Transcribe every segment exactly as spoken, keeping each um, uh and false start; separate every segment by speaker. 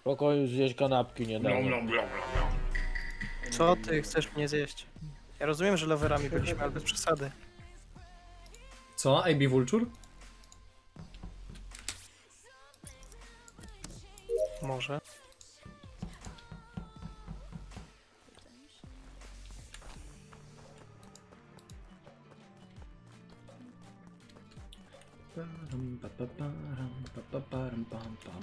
Speaker 1: pokoju zjeść kanapki nie dam.
Speaker 2: Co ty chcesz mnie zjeść? Ja rozumiem, że loverami byliśmy, ale bez przesady.
Speaker 3: Co? A B Vulture?
Speaker 2: Może.
Speaker 3: Param, pa, pa, param, pa, pa, param, pam, pam.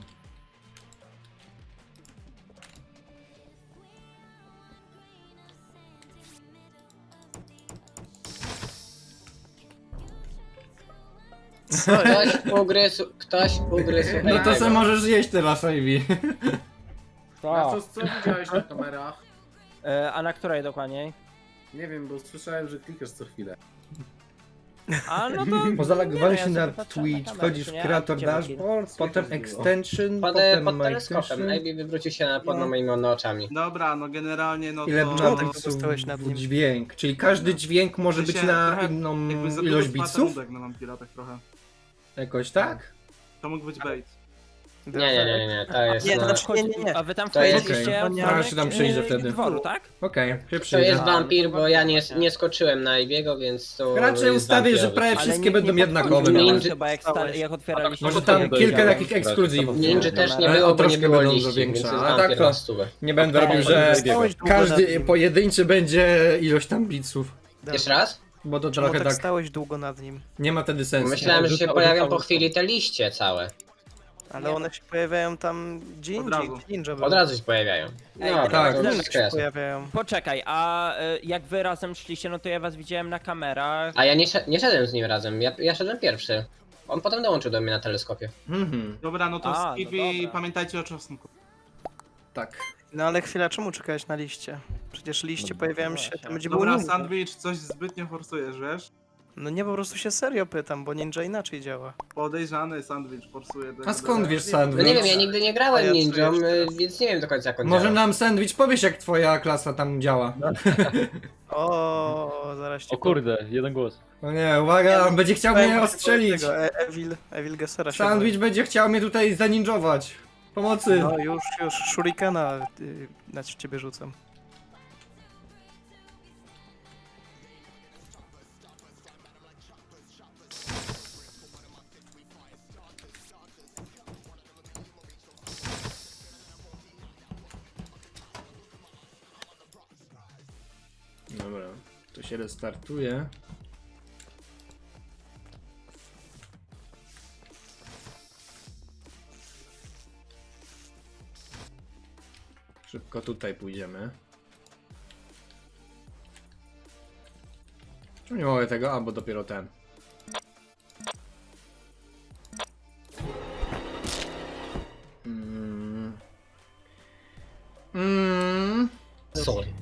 Speaker 4: Ktoś ugryzł, ktoś ugryzł.
Speaker 3: No to
Speaker 4: tego.
Speaker 3: se możesz jeść teraz, A B.
Speaker 5: A
Speaker 1: Tak.
Speaker 5: co, co widziałeś na kamerach?
Speaker 6: E, a na której dokładniej?
Speaker 5: Nie wiem, bo słyszałem, że klikasz co chwilę.
Speaker 6: A no to...
Speaker 7: Bo zalogowałem
Speaker 6: nie,
Speaker 7: się
Speaker 6: ja
Speaker 7: na
Speaker 6: sobie patrzę
Speaker 7: Twitch,
Speaker 6: kamerę,
Speaker 7: wchodzisz
Speaker 6: czy
Speaker 7: w
Speaker 6: nie?
Speaker 7: Creator
Speaker 6: A gdzie był
Speaker 7: Dashboard, potem
Speaker 5: było.
Speaker 7: Extension,
Speaker 4: Pod,
Speaker 7: potem
Speaker 4: pod
Speaker 7: My
Speaker 4: teleskopem.
Speaker 7: Extension.
Speaker 4: Maybe wywrócił się na, pod moimi oczami.
Speaker 8: Dobra, no generalnie no
Speaker 7: Ile
Speaker 8: to...
Speaker 2: Czemu
Speaker 7: bym
Speaker 2: tak zostałeś nad nim?
Speaker 7: dźwięk, czyli każdy dźwięk może
Speaker 8: W sensie
Speaker 7: być na
Speaker 8: trochę
Speaker 7: inną
Speaker 8: jakby za
Speaker 7: ilość
Speaker 8: dużo
Speaker 7: bitsów?
Speaker 8: paterudek na Vampira tak trochę.
Speaker 7: Jakoś tak?
Speaker 8: To mógł być bait.
Speaker 4: Nie, nie, nie, nie, to jest
Speaker 2: Nie, to
Speaker 4: na...
Speaker 2: znaczy, nie, nie, nie.
Speaker 6: A wy tam
Speaker 4: To jest-
Speaker 6: wchodziliście
Speaker 7: Okej.
Speaker 6: od
Speaker 2: Ja
Speaker 6: strony,
Speaker 7: się tam
Speaker 6: e,
Speaker 7: przyjrzę wtedy.
Speaker 6: dworu, tak?
Speaker 7: Okej, się
Speaker 4: To
Speaker 7: przyjrzę.
Speaker 4: jest wampir, bo ja nie, nie skoczyłem na Ibiego, więc to
Speaker 7: Raczej
Speaker 4: jest
Speaker 7: ustawię, że
Speaker 4: wampirowy.
Speaker 7: prawie
Speaker 6: Ale
Speaker 7: wszystkie
Speaker 6: nikt
Speaker 7: będą
Speaker 6: nie
Speaker 7: jednakowe.
Speaker 6: podchodził
Speaker 4: Ninja-
Speaker 6: do
Speaker 7: nawet.
Speaker 6: was chyba jak, sta- jak otwieraliście...
Speaker 7: Może
Speaker 6: to
Speaker 7: tam
Speaker 6: ja
Speaker 7: kilka
Speaker 6: wiedziałem.
Speaker 7: takich ekskluzywów.
Speaker 4: Ninja też nie
Speaker 7: Ale
Speaker 4: było,
Speaker 7: o,
Speaker 4: bo nie
Speaker 7: troszkę
Speaker 4: było
Speaker 7: będą
Speaker 4: liści, więc
Speaker 7: większe,
Speaker 4: jest
Speaker 7: a tak
Speaker 4: wampir
Speaker 7: to-
Speaker 4: na stówę.
Speaker 7: Nie będę robił, że
Speaker 2: Stałeś długo nad
Speaker 7: każdy
Speaker 2: nim.
Speaker 7: pojedynczy będzie ilość tam bitsów.
Speaker 4: Jeszcze raz?
Speaker 7: Bo to
Speaker 2: Czemu
Speaker 7: trochę
Speaker 2: tak
Speaker 7: tak
Speaker 2: stałeś długo nad nim?
Speaker 7: nie ma wtedy sensu.
Speaker 4: Myślałem, że się
Speaker 1: Rzucał-
Speaker 4: pojawią
Speaker 1: rzucał-
Speaker 4: po chwili te liście całe.
Speaker 2: Ale one się pojawiają tam gdzie
Speaker 8: Od
Speaker 2: indziej,
Speaker 8: razu.
Speaker 2: gdzie ninja był.
Speaker 4: Od razu się pojawiają.
Speaker 6: Ej,
Speaker 4: No,
Speaker 7: tak.
Speaker 4: tak, to
Speaker 2: Ninja
Speaker 4: wszystko
Speaker 2: się
Speaker 4: jasne.
Speaker 2: pojawiają.
Speaker 6: Poczekaj, a e, jak wy razem szliście, no to ja was widziałem na kamerach.
Speaker 4: A ja nie, sze- nie szedłem z nim razem, ja, ja szedłem pierwszy. On potem dołączył do mnie na teleskopie.
Speaker 7: Mhm,
Speaker 8: Dobra, no to
Speaker 6: A, no
Speaker 8: skip i
Speaker 6: dobra.
Speaker 8: pamiętajcie o czosnku.
Speaker 7: tak.
Speaker 2: No ale chwila, czemu czekałeś na liście? Przecież liście
Speaker 1: No,
Speaker 2: pojawiają się, tam będzie było
Speaker 8: Dobra,
Speaker 2: ninja.
Speaker 8: sandwich, coś zbytnio forsujesz, wiesz?
Speaker 2: No nie, po prostu się serio pytam, bo ninja inaczej działa.
Speaker 8: Podejrzany sandwich forsuje.
Speaker 7: A skąd wiesz
Speaker 4: No
Speaker 7: sandwich?
Speaker 4: nie wiem, ja nigdy nie
Speaker 2: A ja
Speaker 4: grałem
Speaker 2: czuję
Speaker 4: ninją,
Speaker 2: jeszcze
Speaker 4: y,
Speaker 2: raz.
Speaker 4: więc nie wiem do końca jak on
Speaker 7: Może
Speaker 4: działa.
Speaker 7: nam sandwich powiesz, jak twoja klasa tam działa.
Speaker 2: O, zaraz cię
Speaker 1: O kurde, jeden głos.
Speaker 7: No nie, uwaga, on będzie chciał mnie ostrzelić.
Speaker 2: Tego, e- Evil, Evil Gessera się
Speaker 7: Sandwich będzie chciał mnie tutaj zaninjować. Pomocy.
Speaker 2: boi. No już, już, shurikena y, na ciebie rzucam.
Speaker 7: Dobra, to się restartuje. Szybko tutaj pójdziemy. Czemu nie mogę tego? A, bo dopiero ten. Mm. Mm.
Speaker 4: Sorry.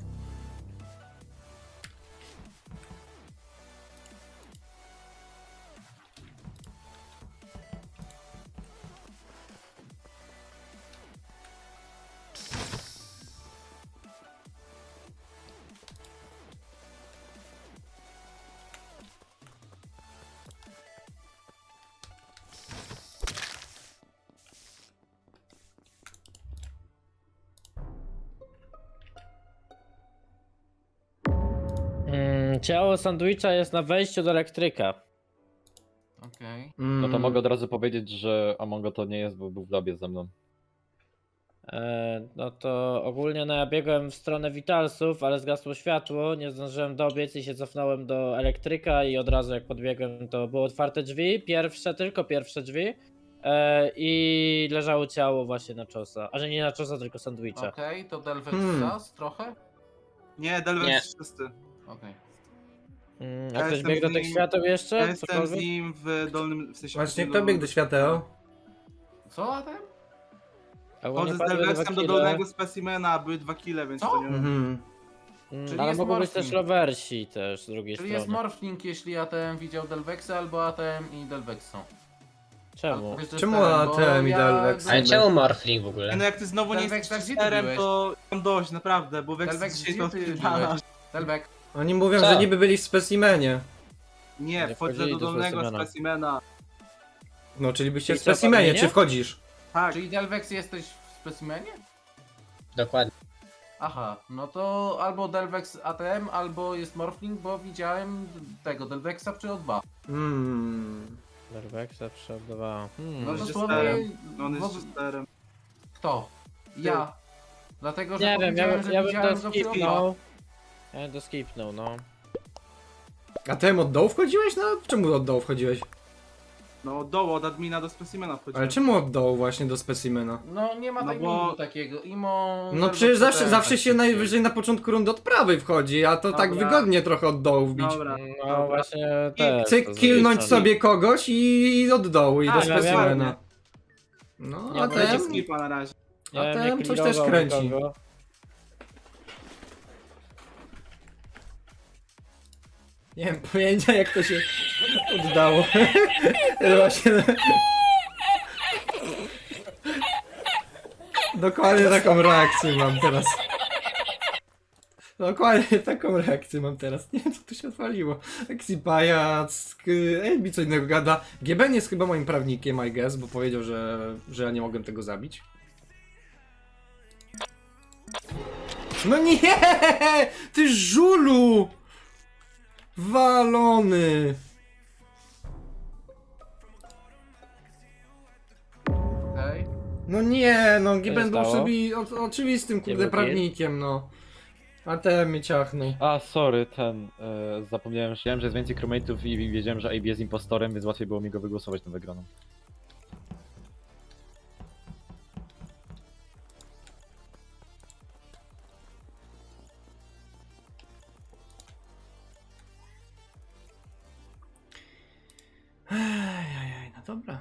Speaker 1: Mm, ciało sandwicha jest na wejściu do elektryka.
Speaker 5: Okej.
Speaker 1: No to
Speaker 7: Mm.
Speaker 1: mogę od razu powiedzieć, że Amongo to nie jest, bo był w labie ze mną. E, no to ogólnie no ja biegłem w stronę Vitalsów, ale zgasło światło, nie zdążyłem dobiec i się cofnąłem do elektryka i od razu jak podbiegłem to były otwarte drzwi, pierwsze, tylko pierwsze drzwi e, i leżało ciało właśnie na czosa, a że nie na czosa, tylko sandwicha.
Speaker 5: Okej, to Delvex
Speaker 7: Hmm.
Speaker 5: czas trochę?
Speaker 8: Nie, Delvex
Speaker 4: Nie.
Speaker 8: czysty.
Speaker 5: Okej.
Speaker 1: Mm,
Speaker 8: Ja
Speaker 1: a ktoś
Speaker 8: jestem
Speaker 1: biegł do
Speaker 8: z
Speaker 1: tych
Speaker 8: nim-
Speaker 1: świateł jeszcze?
Speaker 8: Ja jestem z
Speaker 1: Cokolwiek?
Speaker 8: nim w dolnym... w sensie...
Speaker 7: Właśnie
Speaker 8: do-
Speaker 7: kto biegł do świateł?
Speaker 5: Co a ten?
Speaker 1: Ogólnie
Speaker 8: Chodzę z
Speaker 1: padły dwa
Speaker 8: Delvexem do
Speaker 1: kile.
Speaker 8: dolnego specimena, były dwa kile, więc
Speaker 5: Co?
Speaker 8: to nie...
Speaker 7: Mhm.
Speaker 1: Mm,
Speaker 5: Czyli
Speaker 1: ale
Speaker 5: jest
Speaker 1: mogą być też
Speaker 5: morphing.
Speaker 1: lowersi też z drugiej
Speaker 5: Czyli
Speaker 1: strony.
Speaker 5: jest morphling, jeśli A T M widział Delvexa, albo A T M i Delvex są.
Speaker 1: Czemu?
Speaker 5: Wiesz, że
Speaker 7: Czemu
Speaker 5: stary,
Speaker 7: A T M
Speaker 5: bo
Speaker 7: i Delvex?
Speaker 4: Ale czemu Morphling w ogóle?
Speaker 8: No jak ty znowu nie
Speaker 5: Delvex,
Speaker 8: jesteś
Speaker 5: tak, gdzie ty
Speaker 8: cheaterem,
Speaker 5: byłeś?
Speaker 8: to mam dość, naprawdę, bo Vex
Speaker 5: Delvex,
Speaker 8: dzisiaj
Speaker 5: gdzie
Speaker 8: to
Speaker 5: ty
Speaker 8: odpierdala.
Speaker 5: byłeś? Delvex.
Speaker 7: Oni mówią,
Speaker 4: Co?
Speaker 7: że niby byli w specimenie.
Speaker 8: Nie,
Speaker 1: Nie
Speaker 8: wchodzę
Speaker 1: wchodzili
Speaker 8: do
Speaker 1: do
Speaker 8: dolnego
Speaker 1: specimena.
Speaker 8: specimena.
Speaker 7: No, czyli byście w
Speaker 1: I co,
Speaker 7: specimenie,
Speaker 1: pamiętnie?
Speaker 7: czy wchodzisz?
Speaker 8: Tak,
Speaker 5: Czyli Delvex jesteś w specimenie?
Speaker 4: Dokładnie.
Speaker 5: Aha, no to albo Delvex A T M, albo jest Morphling, bo widziałem tego Delvexa przy O dwa.
Speaker 7: Hmm.
Speaker 1: Derwexa przeładowała.
Speaker 8: No,
Speaker 1: Hmm.
Speaker 8: że-
Speaker 5: Dosłownie...
Speaker 8: No on jest
Speaker 5: w-
Speaker 8: chesterem.
Speaker 5: Kto? Ja. Dlatego, że
Speaker 1: Nie wiem, ja,
Speaker 5: powiedziałem,
Speaker 1: bym-
Speaker 5: że
Speaker 1: ja bym
Speaker 5: widziałem
Speaker 1: to
Speaker 5: go przy O dwa.
Speaker 1: skipnął. Ja bym to skipnął, no.
Speaker 7: A ty od dołu wchodziłeś? No czemu od dołu wchodziłeś?
Speaker 8: No od dołu, od admina do specimena wchodziłem.
Speaker 7: Ale czemu od dołu właśnie do specimena?
Speaker 5: No nie ma
Speaker 8: No
Speaker 5: timingu
Speaker 8: bo-
Speaker 5: takiego. Imo...
Speaker 7: No
Speaker 5: Delvex
Speaker 7: przecież zawsze,
Speaker 5: A T M,
Speaker 7: zawsze
Speaker 5: tak
Speaker 7: się
Speaker 5: się
Speaker 7: najwyżej na początku rundy od prawej wchodzi, a to tak
Speaker 8: Dobra.
Speaker 7: wygodnie trochę od dołu wbić.
Speaker 8: Dobra.
Speaker 1: No
Speaker 8: Dobra.
Speaker 1: właśnie
Speaker 7: I
Speaker 1: też.
Speaker 7: cyk,
Speaker 1: to
Speaker 7: killnąć
Speaker 1: zrobić,
Speaker 7: sobie kogoś i od dołu i do
Speaker 8: Tak,
Speaker 7: specimena. No,
Speaker 1: Ja
Speaker 7: a
Speaker 8: Będzie
Speaker 7: ten...
Speaker 8: skipa na razie.
Speaker 1: Ja
Speaker 7: A
Speaker 1: bym
Speaker 7: ten
Speaker 1: nie
Speaker 7: coś też
Speaker 1: clearował
Speaker 7: kręci.
Speaker 1: nikogo.
Speaker 7: Nie mam pojęcia jak to się oddało. Właśnie... Dokładnie taką reakcję mam teraz. Dokładnie taką reakcję mam teraz. Nie wiem co tu się odwaliło. Exipajac, Elbi co innego gada. G B N jest chyba moim prawnikiem, I guess, bo powiedział, że, że ja nie mogłem tego zabić. No nie! Ty żulu! Walony!
Speaker 5: Okej.
Speaker 7: No nie, no
Speaker 1: się
Speaker 7: Giben był
Speaker 1: stało?
Speaker 7: sobie o, oczywistym
Speaker 1: Nie
Speaker 7: kurde
Speaker 1: był
Speaker 7: prawnikiem, no. A ten mnie ciachnął.
Speaker 9: A, sorry, ten, e, zapomniałem, że że jest więcej crewmate'ów i wiedziałem, że A B jest impostorem, więc łatwiej było mi go wygłosować na wygraną.
Speaker 7: Ejajaj, no dobra.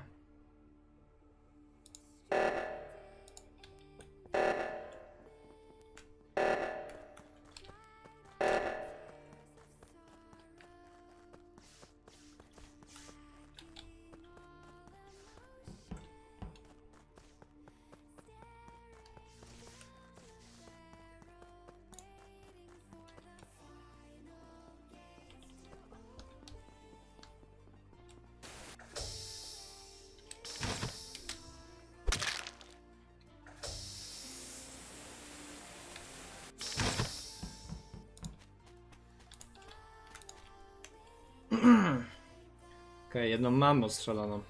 Speaker 7: Okej, jedną mam ostrzeloną.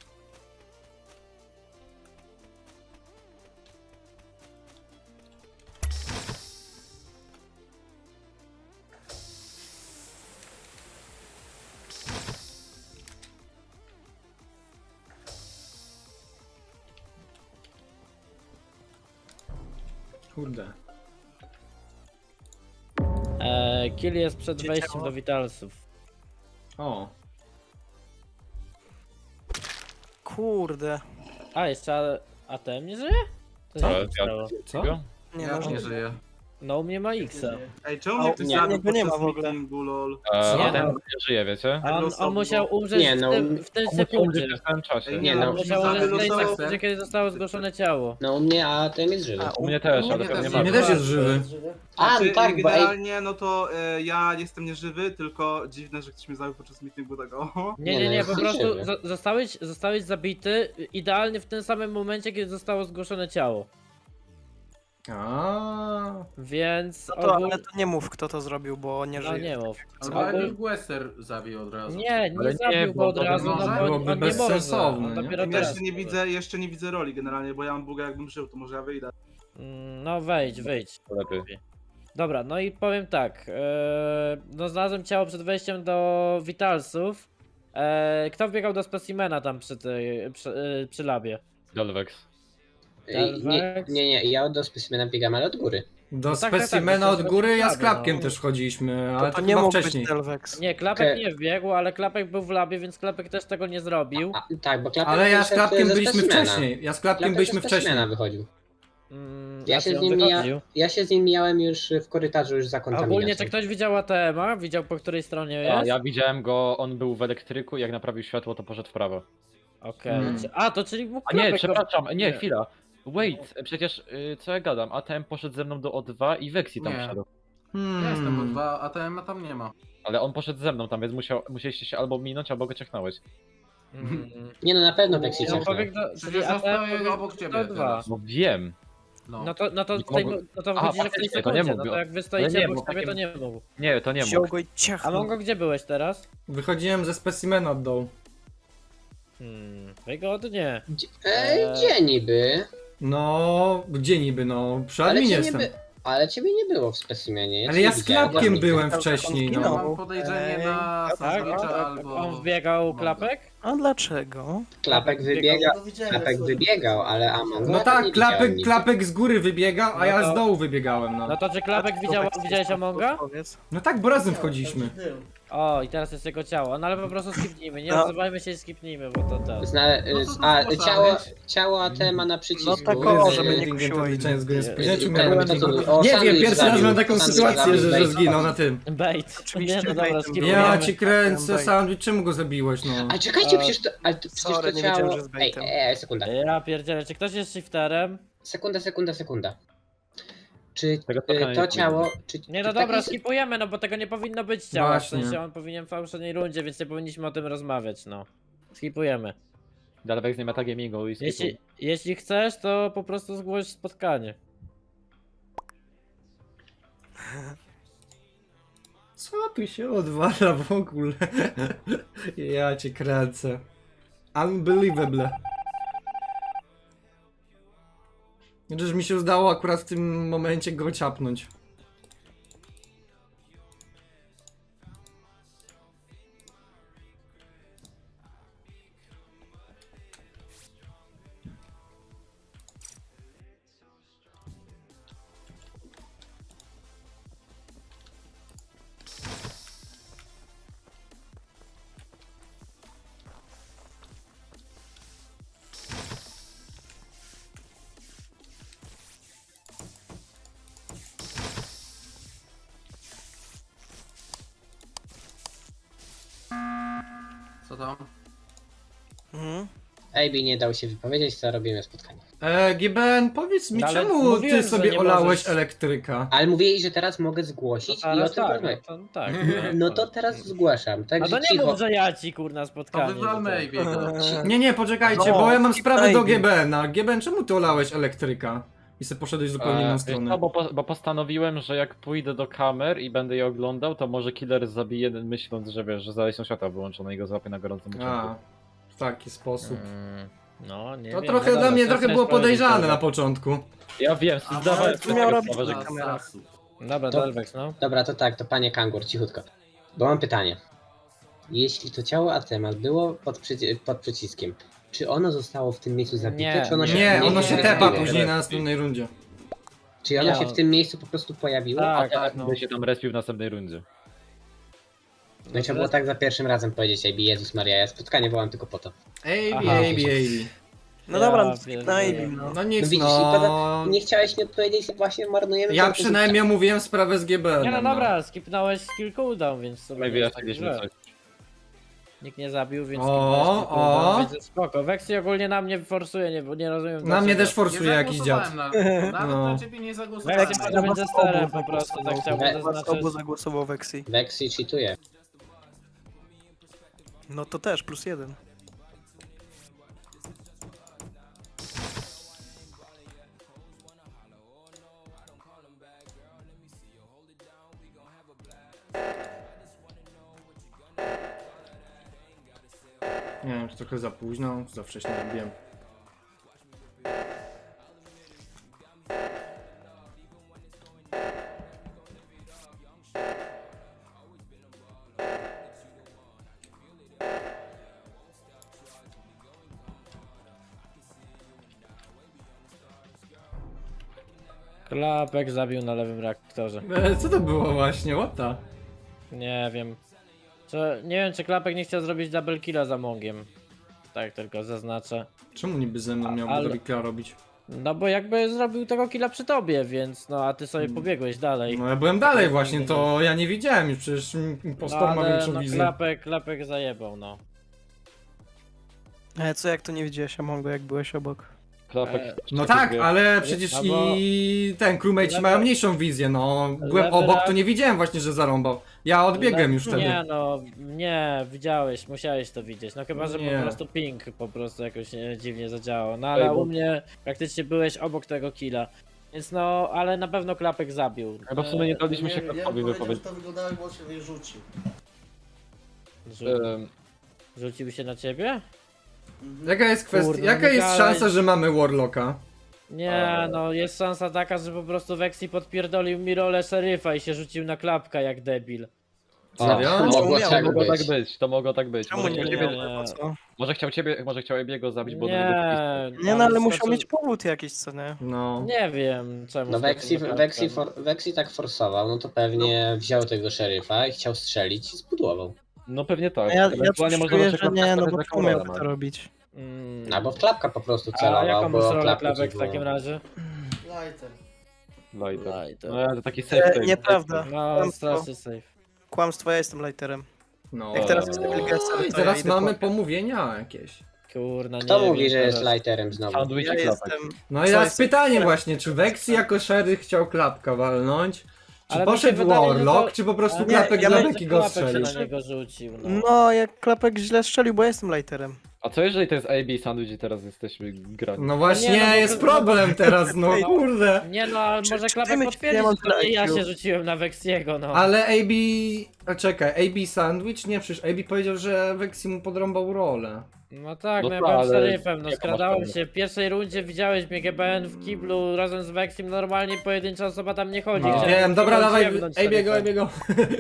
Speaker 7: Kurde.
Speaker 1: E, kill jest przed
Speaker 2: Gdzie
Speaker 1: wejściem
Speaker 2: ciało?
Speaker 1: do Vitalsów.
Speaker 7: O.
Speaker 2: Kurde.
Speaker 1: A, jeszcze A T M nie żyje? To
Speaker 9: Co?
Speaker 1: się
Speaker 9: Ja-
Speaker 1: stało.
Speaker 7: Co?
Speaker 2: Nie
Speaker 5: Ja
Speaker 2: no,
Speaker 5: nie żyję.
Speaker 1: No u mnie ma X-a.
Speaker 8: Ej, czemu
Speaker 2: A,
Speaker 8: mnie ktoś
Speaker 2: nie,
Speaker 8: zabił
Speaker 2: niego nie ma
Speaker 8: podczas
Speaker 2: w ogóle.
Speaker 8: meetingu, lol?
Speaker 9: E,
Speaker 1: Nie,
Speaker 9: a ten
Speaker 1: no.
Speaker 9: nie żyje, wiecie?
Speaker 1: A on, on
Speaker 8: losowo.
Speaker 1: musiał umrzeć
Speaker 4: Nie, no,
Speaker 1: w, tym, w tej
Speaker 9: On musiał umrzeć
Speaker 1: sekundzie.
Speaker 9: w tym czasie.
Speaker 8: Ej,
Speaker 4: Nie
Speaker 1: On
Speaker 4: no,
Speaker 1: musiał
Speaker 8: zabił
Speaker 1: umrzeć w tej
Speaker 8: losowo.
Speaker 1: sekundzie, kiedy zostało zgłoszone ciało.
Speaker 4: No u mnie A T M jest żywy.
Speaker 2: A,
Speaker 9: U mnie też,
Speaker 5: u
Speaker 9: ale
Speaker 5: mnie
Speaker 9: pewnie
Speaker 5: też
Speaker 9: ma.
Speaker 7: Mnie też jest żywy.
Speaker 4: A,
Speaker 8: Znaczy,
Speaker 4: no tak, bo ej,
Speaker 8: generalnie, no to e, ja jestem nieżywy, tylko dziwne, że ktoś mnie zabił podczas meetingu tego.
Speaker 1: Nie,
Speaker 4: Nie,
Speaker 1: nie,
Speaker 4: no,
Speaker 1: nie,
Speaker 4: jest
Speaker 1: po prostu
Speaker 4: żywy.
Speaker 1: zo- zostałeś, zostałeś zabity idealnie w tym samym momencie, kiedy zostało zgłoszone ciało.
Speaker 7: A.
Speaker 1: Więc
Speaker 2: no to,
Speaker 1: ogól...
Speaker 2: ale to nie mów kto to zrobił, bo nie
Speaker 1: No
Speaker 2: żyje.
Speaker 1: nie mów.
Speaker 5: Albo
Speaker 1: Ogól-
Speaker 5: Emil Guesser zabił od razu.
Speaker 1: Nie, nie
Speaker 9: Ale nie,
Speaker 1: zabił
Speaker 9: bo
Speaker 1: go od
Speaker 9: to
Speaker 1: razu, no
Speaker 5: może-
Speaker 1: bo on,
Speaker 7: byłoby
Speaker 1: on nie może.
Speaker 7: bezsensowne,
Speaker 1: On
Speaker 7: nie?
Speaker 1: dopiero
Speaker 8: I
Speaker 1: teraz
Speaker 8: jeszcze nie
Speaker 1: może.
Speaker 8: widzę, jeszcze nie widzę roli generalnie, bo ja mam buga jakbym żył, to może ja wyjdę.
Speaker 1: Mm, No wejdź, wyjdź.
Speaker 9: Lepiej.
Speaker 1: Dobra, no i powiem tak. e, no znalazłem ciało przed wejściem do Vitalsów. E, kto wbiegał do specimena tam przy, tej, przy, e, przy labie?
Speaker 9: Delvex.
Speaker 4: ej, nie, nie, nie, ja do specimena biegam, ale od góry.
Speaker 7: Do
Speaker 1: No tak, tak,
Speaker 7: specimena
Speaker 1: tak,
Speaker 7: od
Speaker 1: to
Speaker 7: góry, ja z
Speaker 1: prawie,
Speaker 7: klapkiem
Speaker 1: no.
Speaker 7: też chodziliśmy, ale
Speaker 2: To,
Speaker 7: to,
Speaker 2: to nie
Speaker 7: chyba
Speaker 2: mógł
Speaker 7: wcześniej.
Speaker 2: być Delvex.
Speaker 1: Nie, Klapek
Speaker 4: Okej.
Speaker 1: nie wbiegł, ale Klapek był w labie, więc Klapek też tego nie zrobił.
Speaker 4: A, tak, bo klapek
Speaker 7: Ale ja z
Speaker 4: wyszedł
Speaker 7: klapkiem
Speaker 4: ze
Speaker 7: byliśmy
Speaker 4: specimena.
Speaker 7: wcześniej. Ja z klapkiem
Speaker 4: Klapek
Speaker 7: byliśmy
Speaker 4: ze specimena
Speaker 7: wcześniej.
Speaker 4: wychodził.
Speaker 1: Mm,
Speaker 4: Ja
Speaker 1: a
Speaker 4: się,
Speaker 1: czy
Speaker 4: z
Speaker 1: on
Speaker 4: nim mija,
Speaker 1: wychodził?
Speaker 4: ja się z nim mijałem już w korytarzu już za
Speaker 1: A ogólnie,
Speaker 4: kontaminacją.
Speaker 1: czy ktoś widział A T M-a? Widział po której stronie
Speaker 9: A,
Speaker 1: jest?
Speaker 9: ja widziałem go, on był w elektryku i jak naprawił światło, to poszedł w prawo.
Speaker 1: Okej.
Speaker 7: Hmm.
Speaker 1: Czy- A, to czyli mógł
Speaker 9: A nie,
Speaker 1: Klapek
Speaker 9: przepraszam, nie,
Speaker 1: Nie.
Speaker 9: chwila. Wait, przecież y, co ja gadam? A T M poszedł ze mną do O dwa i Vexi tam
Speaker 5: Nie.
Speaker 9: wszedł.
Speaker 5: Ja jestem od
Speaker 7: Hmm.
Speaker 5: dwa, a T M tam nie ma.
Speaker 9: Ale on poszedł ze mną tam, więc musiał, musieliście się albo minąć, albo go ciechnąłeś.
Speaker 1: Mm.
Speaker 4: Nie no, na pewno Vexi
Speaker 1: Ja
Speaker 4: ciachnął.
Speaker 1: pobiegł do, czyli
Speaker 5: Przecież
Speaker 1: A T M
Speaker 5: zostaję
Speaker 1: pobiegł
Speaker 5: obok ciebie
Speaker 1: do dwa.
Speaker 5: teraz.
Speaker 9: No wiem.
Speaker 5: No.
Speaker 1: No to, no to,
Speaker 9: Nie
Speaker 1: tutaj,
Speaker 9: mogło-
Speaker 1: no to
Speaker 9: Aha,
Speaker 1: wychodzi, że w tej
Speaker 9: faktycznie, to nie
Speaker 1: sekundzie,
Speaker 9: mógł.
Speaker 1: no to jak wy
Speaker 9: Ale
Speaker 1: stoicie
Speaker 9: nie,
Speaker 1: obok
Speaker 9: bo
Speaker 1: siebie, to
Speaker 9: takim-
Speaker 1: nie mógł.
Speaker 9: Nie, to nie
Speaker 2: Wziął
Speaker 9: mógł.
Speaker 2: go i
Speaker 1: A
Speaker 2: ciachnął.
Speaker 1: Mongo, gdzie byłeś teraz?
Speaker 7: Wychodziłem ze specimena od dołu.
Speaker 1: Hmm, wygodnie.
Speaker 4: Gdzie, e,
Speaker 1: Eee.
Speaker 4: gdzie niby?
Speaker 7: No, gdzie niby, no, przy
Speaker 4: Ale
Speaker 7: adminie
Speaker 4: ciebie,
Speaker 7: jestem.
Speaker 4: by, ale ciebie nie było w specimenie.
Speaker 7: Ale
Speaker 4: cię
Speaker 7: ja
Speaker 4: nie
Speaker 7: z
Speaker 4: widziałem,
Speaker 7: klapkiem
Speaker 4: ja
Speaker 7: byłem
Speaker 2: widziałem.
Speaker 7: wcześniej,
Speaker 2: On
Speaker 5: Ja
Speaker 7: no.
Speaker 2: zginął.
Speaker 5: mam podejrzenie
Speaker 2: Ej,
Speaker 5: na
Speaker 1: Tak?
Speaker 5: Sandwicza
Speaker 1: On,
Speaker 5: albo...
Speaker 1: on wbiegał klapek?
Speaker 2: A dlaczego?
Speaker 4: Klapek wybiega, klapek wybiegał, ale Among
Speaker 7: No
Speaker 4: Us
Speaker 7: tak,
Speaker 4: nie
Speaker 7: klapek,
Speaker 4: widziałem
Speaker 7: klapek z góry wybiegał, a
Speaker 1: No
Speaker 7: ja
Speaker 1: to-
Speaker 7: z dołu wybiegałem, no.
Speaker 1: No to czy klapek widział, widziałeś Amonga?
Speaker 2: Powiedz.
Speaker 7: No tak, bo razem wchodziliśmy.
Speaker 1: O, i teraz jest jego ciało. No ale po prostu skipnijmy, nie
Speaker 2: No.
Speaker 1: odzywajmy się i skipnijmy, bo to to.
Speaker 4: Zna,
Speaker 5: No to to
Speaker 4: a,
Speaker 5: zgłaszamy.
Speaker 4: ciało, ciało A T ma na przycisku.
Speaker 2: No tak,
Speaker 7: Gry
Speaker 2: o,
Speaker 7: z
Speaker 2: żeby nie
Speaker 7: meetingiem
Speaker 2: kusiło
Speaker 7: podliczenia z gry z
Speaker 1: innych.
Speaker 7: później, czy
Speaker 4: Ten,
Speaker 7: miałem
Speaker 4: to
Speaker 7: meeting?
Speaker 4: tu- o,
Speaker 7: Nie wiem,
Speaker 4: sandwich
Speaker 7: pierwszy raz
Speaker 4: zabił,
Speaker 7: mam taką
Speaker 4: sandwich
Speaker 7: sytuację,
Speaker 4: zabił,
Speaker 7: że, że
Speaker 4: bait.
Speaker 7: zginął na tym.
Speaker 1: Bait.
Speaker 2: Oczywiście
Speaker 1: Nie, no dobra,
Speaker 2: baitem
Speaker 1: skipujemy.
Speaker 7: Ja
Speaker 2: Próbujemy.
Speaker 7: ci kręcę,
Speaker 2: Bait.
Speaker 7: sandwich, czemu go zabiłeś, no?
Speaker 4: A czekajcie,
Speaker 1: A,
Speaker 4: przecież to, ale to, przecież
Speaker 2: sorry,
Speaker 4: to
Speaker 2: nie
Speaker 4: ciało...
Speaker 2: wiedziałem, że z
Speaker 4: Ej,
Speaker 2: baitem.
Speaker 4: ej, sekunda,
Speaker 1: Ja pierdzielę, czy ktoś jest shifterem?
Speaker 4: sekunda, sekunda, sekunda. Czy
Speaker 9: Tego
Speaker 4: y,
Speaker 9: spotkania
Speaker 4: to
Speaker 9: nie
Speaker 4: ciało... Czy,
Speaker 1: Nie
Speaker 4: czy
Speaker 1: no dobra,
Speaker 4: taki-
Speaker 1: skipujemy, no bo tego nie powinno być ciała.
Speaker 7: Właśnie.
Speaker 1: W sensie on powinien w poprzedniej rundzie, więc nie powinniśmy o tym rozmawiać, no. Skipujemy.
Speaker 9: Delvex nie ma tagiego i
Speaker 1: Jeśli,
Speaker 9: skipu.
Speaker 1: jeśli chcesz, to po prostu zgłoś spotkanie.
Speaker 7: Co tu się odwala w ogóle? Ja cię kręcę. Unbelievable. Chociaż mi się udało akurat w tym momencie go ciapnąć.
Speaker 5: Co tam?
Speaker 2: Mhm.
Speaker 4: A B nie dał się wypowiedzieć, co robimy spotkanie.
Speaker 7: E, G B N, powiedz mi,
Speaker 1: No ale
Speaker 7: czemu
Speaker 1: mówiłem,
Speaker 7: ty
Speaker 1: że
Speaker 7: sobie
Speaker 1: nie
Speaker 7: olałeś
Speaker 1: możesz.
Speaker 7: elektryka?
Speaker 4: Ale mówili, że teraz mogę
Speaker 1: No
Speaker 4: zgłosić i o
Speaker 1: teraz
Speaker 4: tym
Speaker 1: tak, no
Speaker 4: porozmawiać.
Speaker 1: to, tak.
Speaker 4: No to teraz zgłaszam,
Speaker 1: No
Speaker 4: także
Speaker 1: to nie
Speaker 4: cicho.
Speaker 1: mów, że ja ci kurna
Speaker 5: To
Speaker 1: spotkanie.
Speaker 5: wywalmy
Speaker 1: że to-
Speaker 5: Abiego.
Speaker 7: Nie, nie, poczekajcie,
Speaker 2: No,
Speaker 7: bo ja mam sprawę do
Speaker 2: Ivy.
Speaker 7: G B N a. G B N, czemu ty olałeś elektryka? I sobie poszedłeś zupełnie inną
Speaker 9: Eee,
Speaker 7: stronę.
Speaker 9: No, bo, po, bo postanowiłem, że jak pójdę do kamer i będę je oglądał, to może killer zabije, myśląc, że wiesz, że zaś są światła wyłączone i go złapie na gorącym uczynku.
Speaker 7: A, w taki sposób.
Speaker 1: Mm, No, nie
Speaker 7: To
Speaker 1: wiem,
Speaker 7: trochę
Speaker 1: no
Speaker 7: dla
Speaker 1: dobra,
Speaker 7: mnie
Speaker 1: to
Speaker 7: trochę
Speaker 1: chcesz
Speaker 7: było
Speaker 1: powiedzieć,
Speaker 7: podejrzane
Speaker 1: dobra.
Speaker 7: na początku.
Speaker 9: Ja wiem,
Speaker 5: A
Speaker 9: zdawałem
Speaker 2: ale
Speaker 9: sobie
Speaker 2: miał
Speaker 9: tego
Speaker 2: robić
Speaker 9: sprawę, że
Speaker 2: na kamerach.
Speaker 1: Dobra,
Speaker 4: To-
Speaker 1: Delvex, no.
Speaker 4: Dobra, to tak, to panie Kangur, cichutko. Bo mam pytanie. Jeśli to ciało Atemas było pod, przyci- pod przyciskiem, czy ono zostało w tym miejscu zabite,
Speaker 1: Nie,
Speaker 4: czy ono się
Speaker 7: Nie,
Speaker 4: w tym
Speaker 7: ono
Speaker 4: miejscu
Speaker 7: się tepa
Speaker 4: pojawiło?
Speaker 7: później na następnej rundzie.
Speaker 4: Czy ono
Speaker 1: Ja-
Speaker 4: się w tym miejscu po prostu pojawiło?
Speaker 1: Tak,
Speaker 9: a
Speaker 1: tak, no.
Speaker 9: no. się tam respił w następnej rundzie.
Speaker 4: No i trzeba było tak za pierwszym razem powiedzieć, ej, Jezus Maria, ja spotkanie wołam tylko po to.
Speaker 7: Ej,
Speaker 1: Aha.
Speaker 7: ej, ej.
Speaker 2: No
Speaker 1: Ja
Speaker 2: dobra, no
Speaker 1: pierdolę.
Speaker 2: na Ivy, no.
Speaker 7: No
Speaker 4: No
Speaker 7: nic,
Speaker 4: widzisz, i
Speaker 7: no.
Speaker 4: pada- nie chciałeś mi odpowiedzieć, właśnie marnujemy...
Speaker 7: Ja
Speaker 4: czas.
Speaker 7: przynajmniej omówiłem sprawę z G B N.
Speaker 1: Nie no dobra, skipnąłeś skill cooldown, więc sobie
Speaker 9: My
Speaker 1: nie jest tak
Speaker 9: wyjaśniliśmy
Speaker 1: źle.
Speaker 9: coś.
Speaker 1: Nikt nie zabił, więc
Speaker 7: O,
Speaker 1: skipnąłeś skill
Speaker 7: o.
Speaker 1: cooldown, więc jest spoko. Vexy ogólnie na mnie forsuje, nie, bo nie rozumiem
Speaker 7: Na mnie
Speaker 1: dlaczego.
Speaker 7: też forsuje jakiś dziad.
Speaker 5: zagłosowałem Na, nawet
Speaker 7: No.
Speaker 5: na ciebie nie zagłosowałem.
Speaker 1: Vexy może być zesterem po prostu, tak chciałbym
Speaker 4: We-
Speaker 2: Was
Speaker 1: zaznaczyć.
Speaker 2: obu zagłosował Vexy.
Speaker 4: Vexy cheatuje.
Speaker 2: No to też, plus jeden.
Speaker 7: Nie wiem, czy trochę za późno, czy za wcześnie robiłem.
Speaker 1: Klapek zabił na lewym reaktorze.
Speaker 7: E, co to było właśnie, what the?
Speaker 1: Nie wiem. Czy, nie wiem, czy Klapek nie chciał zrobić double killa za Mongiem. Tak tylko zaznaczę.
Speaker 7: Czemu niby ze mną miałby
Speaker 1: Ale-
Speaker 7: Ale... killa robić?
Speaker 1: No bo jakby zrobił tego killa przy tobie, więc no a ty sobie pobiegłeś dalej.
Speaker 7: No ja byłem dalej właśnie, to ja nie widziałem już, przecież impostor ma
Speaker 1: ale
Speaker 7: większą
Speaker 1: no,
Speaker 7: wizję.
Speaker 1: klapek, klapek zajebał, no.
Speaker 2: Ale co jak to nie widziałeś Amongo, jak byłeś obok?
Speaker 9: Klapek.
Speaker 1: E,
Speaker 7: No tak, ale przecież
Speaker 1: No bo-
Speaker 7: i ten crewmate
Speaker 1: Lewe-
Speaker 7: mają mniejszą wizję, no. Byłem
Speaker 1: lewe
Speaker 7: obok,
Speaker 1: rak-
Speaker 7: to nie widziałem właśnie, że zarąbał. Ja odbiegłem już wtedy.
Speaker 1: Nie no, nie, widziałeś, musiałeś to widzieć. No chyba, że
Speaker 7: Nie.
Speaker 1: po prostu ping po prostu jakoś e, dziwnie zadziałał. No ale
Speaker 9: Ej, bo-
Speaker 1: u mnie praktycznie byłeś obok tego killa. Więc no, ale na pewno Klapek zabił.
Speaker 9: Chyba w sumie nie daliśmy się
Speaker 10: wiem, ja
Speaker 9: Klapkowi
Speaker 10: bym powiedział,
Speaker 9: wypowiedzieć.
Speaker 10: że to wyglądało, bo on się wyrzucił.
Speaker 1: Rzu-
Speaker 9: Em,
Speaker 1: Rzucił się na ciebie?
Speaker 10: Mhm.
Speaker 7: Jaka jest kwestia,
Speaker 1: Kurde,
Speaker 7: jaka
Speaker 1: nie
Speaker 7: jest
Speaker 1: gadaj.
Speaker 7: szansa, że mamy Warlocka?
Speaker 1: Nie, no jest szansa taka, że po prostu Vexi podpierdolił mi rolę szeryfa i się rzucił na Klapka jak debil.
Speaker 7: Serio?
Speaker 4: No, mogło
Speaker 2: miał-
Speaker 4: tak
Speaker 9: Mogło tak
Speaker 4: być.
Speaker 9: być, to mogło tak być.
Speaker 2: Czemu
Speaker 9: Może
Speaker 2: nie
Speaker 9: chciał,
Speaker 1: nie,
Speaker 9: ciebie,
Speaker 2: wiem,
Speaker 1: nie.
Speaker 2: po co?
Speaker 9: może chciał ciebie, może chciał Ebiego zabić, bo
Speaker 1: Nie,
Speaker 2: Nie no, ale musiał
Speaker 1: skoczył-
Speaker 2: mieć powód jakiś, co nie?
Speaker 7: No.
Speaker 1: Nie wiem czemu.
Speaker 4: No
Speaker 1: skoczył
Speaker 4: Vexi,
Speaker 1: na Klapka,
Speaker 4: Vexi,
Speaker 1: no.
Speaker 4: for, Vexi tak forsował, no to pewnie wziął tego szeryfa i chciał strzelić i zbudował.
Speaker 9: No pewnie tak.
Speaker 2: Ja, ja
Speaker 9: Ewentualnie
Speaker 2: coś
Speaker 9: można
Speaker 2: czuję,
Speaker 9: na
Speaker 2: że
Speaker 9: przykład
Speaker 2: nie, no
Speaker 9: stawiać
Speaker 2: bo
Speaker 9: za
Speaker 2: czemu miałby
Speaker 9: Kamerona.
Speaker 2: to robić?
Speaker 1: Mm.
Speaker 4: Albo w klapka po prostu
Speaker 1: A
Speaker 4: celował,
Speaker 1: jaką masz
Speaker 4: bo
Speaker 1: rolę
Speaker 4: klapka
Speaker 1: Klapek w
Speaker 4: dziwną.
Speaker 1: takim razie?
Speaker 10: Lighter.
Speaker 9: Lighter.
Speaker 1: Lighter.
Speaker 9: No to taki safe
Speaker 2: E,
Speaker 9: save.
Speaker 2: nieprawda.
Speaker 1: No,
Speaker 2: Kłamstwo.
Speaker 1: strasznie safe.
Speaker 2: Kłamstwo, ja jestem lighterem.
Speaker 7: No.
Speaker 2: Jak teraz jest Wilgesa,
Speaker 7: I
Speaker 2: to
Speaker 7: teraz
Speaker 2: ja idę
Speaker 7: mamy
Speaker 2: po-
Speaker 7: pomówienia jakieś.
Speaker 1: Kurna,
Speaker 4: Kto
Speaker 1: nie
Speaker 4: mówi,
Speaker 1: wiem
Speaker 4: że jest
Speaker 1: teraz.
Speaker 4: lighterem znowu?
Speaker 9: Sandwich
Speaker 2: Ja
Speaker 9: i klapek.
Speaker 2: jestem...
Speaker 7: No
Speaker 2: Co
Speaker 7: i teraz
Speaker 2: jest?
Speaker 7: pytanie właśnie, czy Vexi jako szeryf chciał klapka walnąć? Czy
Speaker 1: Ale mi się
Speaker 7: poszedł
Speaker 1: wydaje, że
Speaker 7: Warlock,
Speaker 1: to-
Speaker 7: czy po prostu
Speaker 1: Ale
Speaker 7: klapek
Speaker 2: ja
Speaker 7: dla
Speaker 2: myślę,
Speaker 7: Beki
Speaker 1: że
Speaker 7: go
Speaker 1: Klapek
Speaker 7: strzelił?
Speaker 1: się na niego rzucił, no.
Speaker 2: No, jak Klapek źle strzelił, bo ja jestem lighterem.
Speaker 9: A co jeżeli to jest A B i Sandwich i teraz jesteśmy grani?
Speaker 7: No właśnie,
Speaker 1: Nie, no bo
Speaker 7: jest
Speaker 1: to-
Speaker 7: problem teraz, no
Speaker 2: Ej,
Speaker 7: kurde.
Speaker 1: Nie no, ale
Speaker 2: Czy-
Speaker 1: może
Speaker 2: czy
Speaker 1: Klapek
Speaker 2: ty myślisz,
Speaker 1: potwierdzi,
Speaker 2: że ja mam
Speaker 1: że to nie ja
Speaker 2: I Q?
Speaker 1: się rzuciłem na Vexiego, no.
Speaker 7: Ale A B... A czekaj, A B Sandwich? Nie, przecież A B powiedział, że Vexi mu podrąbał rolę.
Speaker 1: No tak,
Speaker 9: No
Speaker 1: no ja
Speaker 9: to,
Speaker 1: byłem
Speaker 9: ale
Speaker 1: szeryfem, no
Speaker 9: jaką masz
Speaker 1: skradałem
Speaker 9: pewność?
Speaker 1: się, w pierwszej rundzie widziałeś mnie G B N w kiblu razem z Vexim, normalnie pojedyncza osoba tam nie chodzi.
Speaker 7: No.
Speaker 1: Chciałem
Speaker 7: Wiem, dobra,
Speaker 1: tylko
Speaker 7: dawaj,
Speaker 1: ziemnąć
Speaker 7: A B go, A
Speaker 1: szeryfem.
Speaker 7: B go.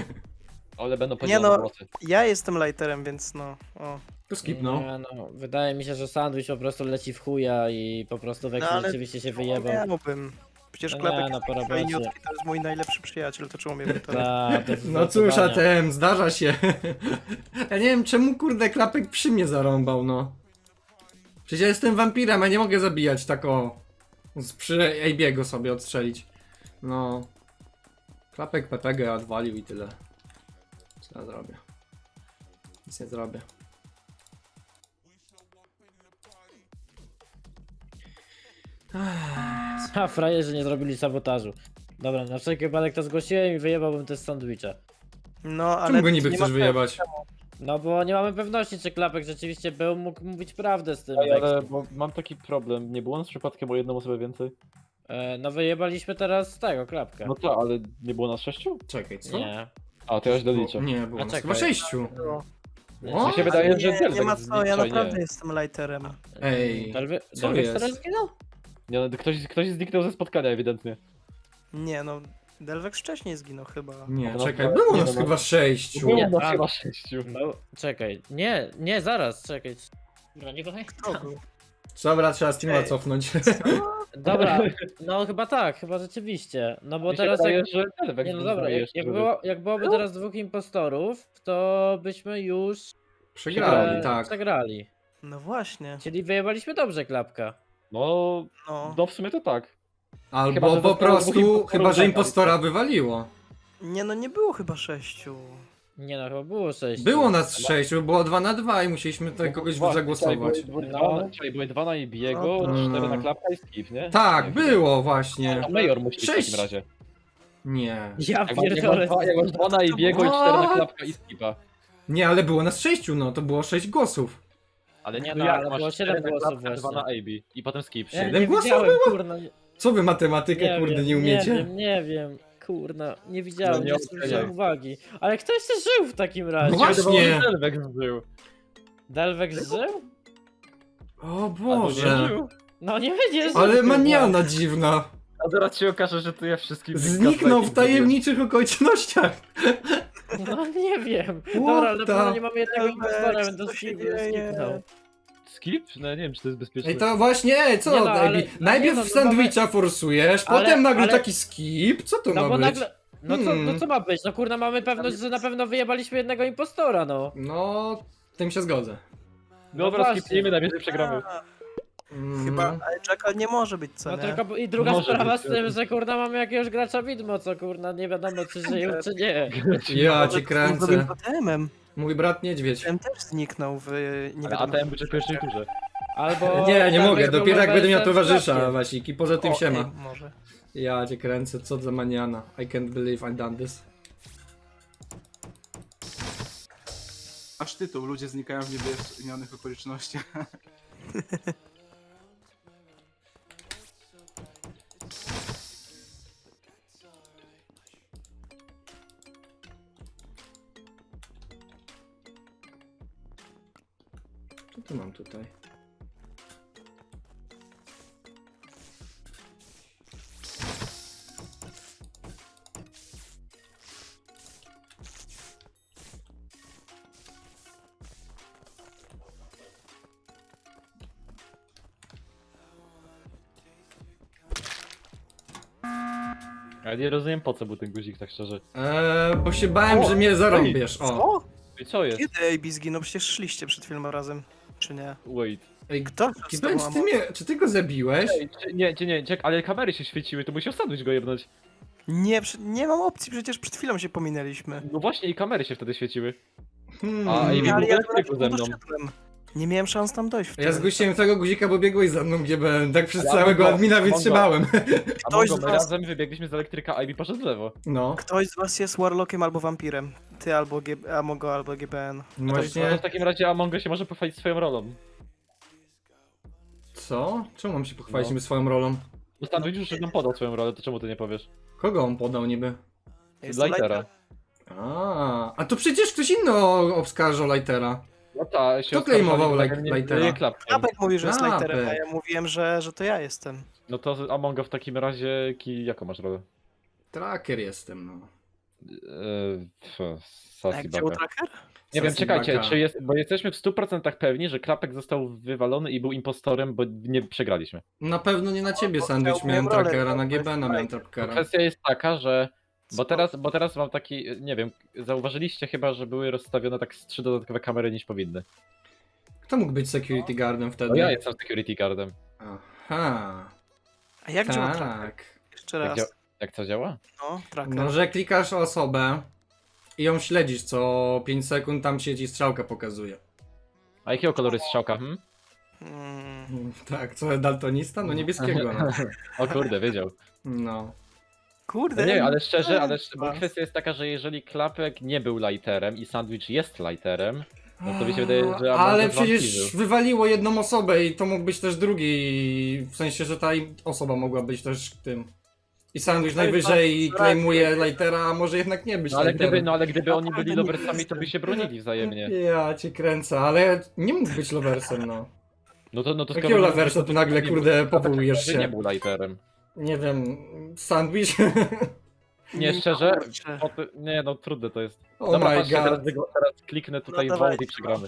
Speaker 9: Ale będą
Speaker 2: Nie
Speaker 9: podzielone
Speaker 2: no.
Speaker 9: głosy.
Speaker 2: Ja jestem lighterem, więc no. O.
Speaker 7: Tu skipnął.
Speaker 1: Nie, no, wydaje mi się, że sandwich po prostu leci w chuja i po prostu Vexi
Speaker 2: No, ale
Speaker 1: rzeczywiście się
Speaker 2: Czemu
Speaker 1: wyjebał.
Speaker 2: miałbym? Przecież
Speaker 1: No nie,
Speaker 2: Klapek
Speaker 1: no,
Speaker 2: jest
Speaker 1: po
Speaker 2: taki
Speaker 1: robocie.
Speaker 2: fajniutki, to jest mój najlepszy przyjaciel, to czemu miałbym to robić?
Speaker 1: Ta, to
Speaker 7: No cóż,
Speaker 1: zdecydowanie.
Speaker 7: A T M, zdarza się. Ja nie wiem, czemu kurde klapek przy mnie zarąbał, no. Przecież ja jestem wampirem, ja nie mogę zabijać tak o. Z przy A B go sobie odstrzelić. No. Klapek P P G odwalił i tyle. Co ja zrobię? Nic nie zrobię.
Speaker 1: A frajerzy nie zrobili sabotażu. Dobra, na wszelki wypadek to zgłosiłem i wyjebałbym też sandwicha.
Speaker 2: No, ale
Speaker 7: Czemu go niby
Speaker 2: nie
Speaker 7: chcesz
Speaker 2: ma
Speaker 7: wyjebać?
Speaker 1: No bo nie mamy pewności, czy Klapek rzeczywiście był, mógł mówić prawdę z tym
Speaker 9: Ej, ale
Speaker 1: Vexim.
Speaker 9: bo mam taki problem, nie było nas przypadkiem o jedną osobę więcej?
Speaker 1: E, no wyjebaliśmy teraz tego, Klapka.
Speaker 9: No to, ale nie było nas sześciu?
Speaker 7: Czekaj, co?
Speaker 1: Nie.
Speaker 9: A, to ja źle liczę.
Speaker 7: Nie, było
Speaker 1: A
Speaker 7: nas
Speaker 1: czekaj.
Speaker 7: chyba sześciu.
Speaker 2: było.
Speaker 7: O?
Speaker 9: Mi się wydaje, że
Speaker 2: Nie,
Speaker 9: Delvex
Speaker 2: nie ma co, ja
Speaker 9: zlicza,
Speaker 2: naprawdę
Speaker 9: nie.
Speaker 2: jestem lighterem.
Speaker 7: Ej,
Speaker 1: Delve-
Speaker 7: co
Speaker 1: Delvex
Speaker 7: jest?
Speaker 1: teraz zginął?
Speaker 9: Nie, no, ktoś, ktoś zniknął ze spotkania ewidentnie.
Speaker 2: Nie no, Delvex wcześniej zginął chyba.
Speaker 7: Nie,
Speaker 9: No,
Speaker 7: czekaj,
Speaker 9: no,
Speaker 7: było
Speaker 9: nie,
Speaker 7: nas
Speaker 9: no,
Speaker 7: chyba sześciu.
Speaker 9: Było
Speaker 1: Nie,
Speaker 9: nas
Speaker 1: a-
Speaker 9: chyba sześciu.
Speaker 1: No, czekaj. Nie, nie, zaraz, czekaj. Dobra, nie
Speaker 2: Kto był?
Speaker 7: Dobra, trzeba streama
Speaker 2: Ej.
Speaker 7: cofnąć.
Speaker 1: Dobra, no chyba tak, chyba rzeczywiście. No bo
Speaker 9: Mi się
Speaker 1: teraz
Speaker 9: wydaje,
Speaker 1: jak...
Speaker 9: że Delvex
Speaker 1: Nie no
Speaker 9: był
Speaker 1: dobra, jak,
Speaker 9: jeszcze,
Speaker 1: jak,
Speaker 9: żeby-
Speaker 1: było, jak byłoby teraz dwóch impostorów, to byśmy już
Speaker 7: Przegrali,
Speaker 1: e,
Speaker 7: tak.
Speaker 1: przegrali.
Speaker 2: No właśnie.
Speaker 1: Czyli wyjebaliśmy dobrze Klapka.
Speaker 9: No,
Speaker 2: No.
Speaker 9: no w sumie to tak. Chyba,
Speaker 7: Albo
Speaker 9: że
Speaker 7: po
Speaker 9: zostało
Speaker 7: prostu,
Speaker 9: dwóch impostorów
Speaker 7: chyba że
Speaker 9: tak,
Speaker 7: impostora wywaliło.
Speaker 2: Nie no, nie było chyba sześciu.
Speaker 1: Nie no, chyba było sześć.
Speaker 7: Było nas sześciu, było dwa na dwa i musieliśmy tutaj kogoś
Speaker 9: Właśnie,
Speaker 7: zagłosować.
Speaker 9: Czyli były,
Speaker 1: No.
Speaker 9: dwa na- czyli były dwa na Ibiego,
Speaker 2: No to-
Speaker 9: cztery na Klapka i Skip, nie?
Speaker 7: Tak,
Speaker 9: Nie,
Speaker 7: było właśnie.
Speaker 9: A Major musi być w
Speaker 7: Sześć.
Speaker 9: takim razie.
Speaker 7: Nie.
Speaker 1: Ja
Speaker 9: Jak masz, jak masz,
Speaker 1: pierdolę.
Speaker 9: dwa, jak masz dwa na Ibiego i cztery na
Speaker 7: What?
Speaker 9: Klapka i Skipa.
Speaker 7: Nie, ale było nas sześciu, no to było sześć głosów.
Speaker 9: Ale
Speaker 1: Nie
Speaker 9: nie,
Speaker 1: no,
Speaker 9: no, jak
Speaker 1: ale
Speaker 9: masz
Speaker 1: było
Speaker 9: cztery
Speaker 1: siedem
Speaker 9: na
Speaker 1: głosów
Speaker 9: Klapka, dwa
Speaker 1: właśnie.
Speaker 9: na A B i potem Skip.
Speaker 1: Ja
Speaker 7: Siedem
Speaker 1: nie
Speaker 7: głosów
Speaker 1: widziałem,
Speaker 7: było?
Speaker 1: kurna. Nie,
Speaker 7: Co wy matematykę,
Speaker 1: nie
Speaker 7: kurde,
Speaker 1: wiem,
Speaker 7: nie umiecie?
Speaker 1: Nie wiem, nie wiem. Kurna, nie widziałem,
Speaker 9: No nie
Speaker 1: nie
Speaker 9: oceniaj.
Speaker 1: zwróciłem uwagi. Ale kto jeszcze żył w takim razie?
Speaker 7: No właśnie.
Speaker 9: Delvex żył.
Speaker 1: Delvex żył?
Speaker 7: O
Speaker 9: Albo
Speaker 7: Boże.
Speaker 9: nie żył.
Speaker 1: No nie będzie żył.
Speaker 7: Ale
Speaker 1: chyba.
Speaker 7: maniana dziwna.
Speaker 9: A zaraz się okaże, że to ja wszystkim...
Speaker 7: Zniknął w tajemniczych okolicznościach.
Speaker 1: No nie wiem.
Speaker 7: What
Speaker 1: Dobra, ale na
Speaker 7: the-
Speaker 1: pewno nie mamy jednego
Speaker 2: Delvex,
Speaker 1: impostora, będę
Speaker 2: co się
Speaker 1: skip-
Speaker 2: dzieje?
Speaker 1: skipnął.
Speaker 9: Skip? No ja nie wiem, czy to jest bezpieczne.
Speaker 7: Ej, to właśnie, ej, co?
Speaker 1: Nie no,
Speaker 7: Ej,
Speaker 1: ale-
Speaker 7: najpierw
Speaker 1: nie no, no
Speaker 7: sandwicha forsujesz,
Speaker 1: ale-
Speaker 7: potem nagle
Speaker 1: ale-
Speaker 7: taki skip. Co to
Speaker 1: No
Speaker 7: ma
Speaker 1: bo
Speaker 7: być?
Speaker 1: nagle... No co,
Speaker 7: Hmm.
Speaker 1: no co ma być? No kurna, mamy pewność, że na pewno wyjebaliśmy jednego impostora, no.
Speaker 7: No, tym się zgodzę.
Speaker 9: Dobra,
Speaker 1: No właśnie.
Speaker 9: skipnijmy, najwyżej przegramy.
Speaker 7: Mm.
Speaker 2: Chyba, ale Jackal nie może być, co
Speaker 1: No
Speaker 2: nie?
Speaker 1: tylko i druga
Speaker 9: Może
Speaker 1: sprawa
Speaker 9: być,
Speaker 1: z tym, że kurna mamy jakiegoś gracza widmo, co kurna nie wiadomo czy żyją czy nie.
Speaker 7: Ja
Speaker 2: Może
Speaker 7: cię
Speaker 2: to on zrobił
Speaker 7: kręcę.
Speaker 2: A T M-em.
Speaker 7: Mój brat niedźwiedź.
Speaker 2: Ten też zniknął w nie
Speaker 9: Ale
Speaker 2: wiadomo.
Speaker 9: A T M będzie w pierwszej turze.
Speaker 1: Albo...
Speaker 7: Nie, nie
Speaker 1: tak
Speaker 7: mogę,
Speaker 1: jak
Speaker 7: dopiero jak
Speaker 1: było
Speaker 7: będę miał
Speaker 1: w F F
Speaker 7: towarzysza,
Speaker 1: Cup-ie.
Speaker 7: Wasiki, poza tym
Speaker 2: O,
Speaker 7: siema.
Speaker 2: ej, może.
Speaker 7: Ja cię kręcę, co za maniana. I can't believe I done this.
Speaker 8: Aż tytuł, ludzie znikają w niewyjaśnionych okolicznościach.
Speaker 7: Co tu mam tutaj?
Speaker 9: Ja nie rozumiem po co był ten guzik, tak szczerze.
Speaker 7: Eee, bo się bałem,
Speaker 2: O,
Speaker 7: że mnie zarąbiesz. O.
Speaker 2: Co?
Speaker 9: I co jest?
Speaker 2: Kiedy A B zginął? Przecież szliście przed filmem razem. Czy nie?
Speaker 9: Wait.
Speaker 7: Ej,
Speaker 2: Kto?
Speaker 7: Kiben, czy ty, mnie, czy ty go zabiłeś?
Speaker 9: Ej, czy- nie, nie, nie, czek, ale kamery się świeciły, to musiał sandwich go jebnąć.
Speaker 2: Nie, przy- nie mam opcji, przecież przed chwilą się pominęliśmy.
Speaker 9: No właśnie i kamery się wtedy świeciły.
Speaker 7: Hmm.
Speaker 9: A, i-
Speaker 2: Nie, ale
Speaker 9: był
Speaker 2: ja
Speaker 9: elektryku ze mną.
Speaker 2: doszedłem. Nie miałem szans tam dojść wtedy.
Speaker 7: Ja zgłosiłem tego guzika, bo biegłeś za mną, G B N. Tak przez
Speaker 9: Ale
Speaker 7: całego
Speaker 9: Mongo,
Speaker 7: admina
Speaker 9: Mongo.
Speaker 7: wytrzymałem.
Speaker 9: A
Speaker 2: Ktoś
Speaker 9: Mongo,
Speaker 2: z
Speaker 9: my
Speaker 2: was-
Speaker 9: razem wybiegliśmy z elektryka, a Ivy poszedł w lewo.
Speaker 7: No.
Speaker 2: Ktoś z was jest Warlockiem albo wampirem. Ty albo G Amogo albo G B N.
Speaker 9: No
Speaker 7: Właśnie.
Speaker 9: w takim razie Amongo się może pochwalić swoją rolą.
Speaker 7: Co? Czemu mam się pochwalić
Speaker 9: No.
Speaker 7: no. swoją rolą?
Speaker 9: Bo sandwich już nam podał swoją rolę, to czemu ty nie powiesz?
Speaker 7: Kogo on podał niby?
Speaker 2: Jest to
Speaker 9: Lightera.
Speaker 7: A, a to przecież ktoś inny o- obskarżał Lightera.
Speaker 9: No tak, się
Speaker 7: Kto klejmował
Speaker 9: oskarżali,
Speaker 7: Light-
Speaker 9: że nie-
Speaker 7: Lightera?
Speaker 9: nie klapkiem.
Speaker 2: Klapek mówi, że jest
Speaker 7: Klapek.
Speaker 2: Lighterem, a ja mówiłem, że, że to ja jestem.
Speaker 9: No to Amongo w takim razie, ki, jaką masz rolę?
Speaker 7: Tracker jestem, no.
Speaker 9: Eee, pff,
Speaker 2: A
Speaker 9: Sassy
Speaker 2: jak działa
Speaker 9: Baka.
Speaker 2: tracker?
Speaker 9: Nie wiem,
Speaker 7: Sassy
Speaker 9: czekajcie,
Speaker 7: Baka.
Speaker 9: czy jest, bo jesteśmy w stu procentach pewni, że Klapek został wywalony i był impostorem, bo nie przegraliśmy.
Speaker 7: Na pewno nie na ciebie,
Speaker 2: bo
Speaker 7: Sandwich,
Speaker 2: chciał
Speaker 7: miałem
Speaker 2: moją rolę,
Speaker 7: trackera,
Speaker 2: no,
Speaker 7: na
Speaker 2: to
Speaker 7: G
Speaker 2: jest
Speaker 7: B N miałem
Speaker 2: fajne.
Speaker 7: trackera.
Speaker 9: Kwestia jest taka, że... Bo
Speaker 2: Spoko.
Speaker 9: teraz, bo teraz mam taki, nie wiem, zauważyliście chyba, że były rozstawione tak z trzy dodatkowe kamery niż powinny.
Speaker 7: Kto mógł być security guardem wtedy?
Speaker 9: No ja jestem security guardem.
Speaker 7: Aha,
Speaker 2: A jak działa tracker?
Speaker 7: tak.
Speaker 2: Jeszcze
Speaker 9: Jak,
Speaker 2: raz.
Speaker 9: dzia jak co działa?
Speaker 2: No, tracker.
Speaker 7: No, że klikasz osobę i ją śledzisz co pięć sekund, tam się ci strzałka pokazuje.
Speaker 9: A jakiego koloru jest strzałka? Hmm?
Speaker 2: Mm,
Speaker 7: Tak, co daltonista? No niebieskiego, no.
Speaker 9: O kurde, wiedział.
Speaker 7: No.
Speaker 2: kurde.
Speaker 9: No nie, ale szczerze, ale szczerze, bo
Speaker 2: Chyba.
Speaker 9: kwestia jest taka, że jeżeli Klapek nie był lighterem i Sandwich jest lighterem, no to mi się wydaje, że Among
Speaker 7: Ale
Speaker 9: Us
Speaker 7: przecież
Speaker 9: wampirył.
Speaker 7: wywaliło jedną osobę i to mógł być też drugi, w sensie, że ta osoba mogła być też tym. I Sandwich najwyżej claimuje lightera, a może jednak nie być
Speaker 9: No ale
Speaker 7: lighterem.
Speaker 9: gdyby, no ale gdyby oni
Speaker 2: Naprawdę
Speaker 9: byli
Speaker 2: nie
Speaker 9: loversami, to
Speaker 2: jestem.
Speaker 9: by się bronili wzajemnie.
Speaker 7: Ja cię kręcę, ale nie mógł być loversem, no.
Speaker 9: No to, no to
Speaker 7: Jakiego
Speaker 9: skoro-
Speaker 7: loversa tu nagle,
Speaker 9: nie
Speaker 7: kurde,
Speaker 9: był-
Speaker 7: powołujesz
Speaker 9: że
Speaker 7: się?
Speaker 9: nie był lighterem.
Speaker 7: Nie wiem, Sandwich?
Speaker 9: Nie, szczerze?
Speaker 2: kurczę.
Speaker 9: O, ty- nie, no trudne to jest.
Speaker 7: Oh
Speaker 9: Dobra,
Speaker 7: my
Speaker 9: patrzcie,
Speaker 7: god.
Speaker 9: teraz, wygo- teraz kliknę tutaj
Speaker 2: No
Speaker 9: no
Speaker 2: dawaj.
Speaker 9: i przegramy.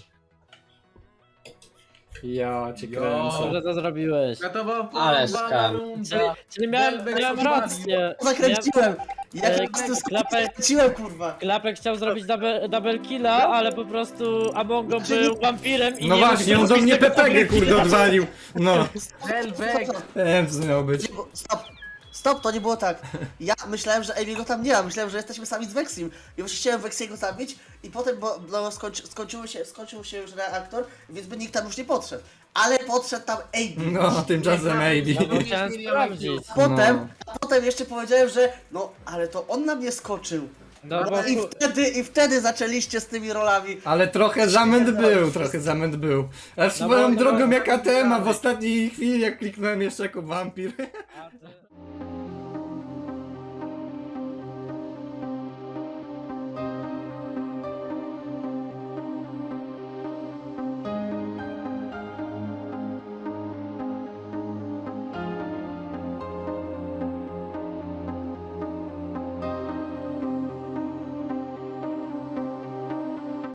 Speaker 7: Ja cię
Speaker 5: Jo.
Speaker 7: kręcę.
Speaker 1: Co to zrobiłeś?
Speaker 5: Gotowa
Speaker 4: Ale
Speaker 5: forma
Speaker 4: skam.
Speaker 1: Czyli,
Speaker 5: runda.
Speaker 1: czyli miałem,
Speaker 5: Delvex
Speaker 1: miałem
Speaker 5: odwalił.
Speaker 1: rację.
Speaker 10: Zakręciłem! Ja
Speaker 1: E,
Speaker 10: po prostu
Speaker 1: klapek-
Speaker 10: zakręciłem, kurwa!
Speaker 1: Klapek chciał zrobić double, double killa, ale po prostu Amongo był wampirem i
Speaker 7: No
Speaker 1: nie
Speaker 7: właśnie,
Speaker 1: mógł
Speaker 7: on do mnie
Speaker 1: zrobić
Speaker 7: P P G,
Speaker 1: double
Speaker 7: kurde,
Speaker 1: killa.
Speaker 7: odwalił. No,
Speaker 5: Delvex.
Speaker 7: Ems miał być.
Speaker 10: Nie, bo- Stop! Stop, to nie było tak. Ja myślałem, że Amy go tam nie ma, myślałem, że jesteśmy sami z Vexim. I właśnie chciałem Vexiego zabić i potem, bo no, skończy, skończyło się, skończył się już reaktor, więc by nikt tam już nie podszedł. Ale podszedł tam Amy.
Speaker 7: No, tymczasem Maybe.
Speaker 1: No bo chciałem sprawdzić.
Speaker 10: Potem,
Speaker 7: No.
Speaker 10: a potem jeszcze powiedziałem, że no, ale to on na mnie skoczył.
Speaker 1: No bo
Speaker 10: No i wtedy, i wtedy zaczęliście z tymi rolami.
Speaker 7: Ale trochę zamęt był, trochę zamęt był. A swoją
Speaker 1: bo-
Speaker 7: drogą jak A T M, a w ostatniej chwili jak kliknąłem jeszcze jako wampir.
Speaker 1: A, to-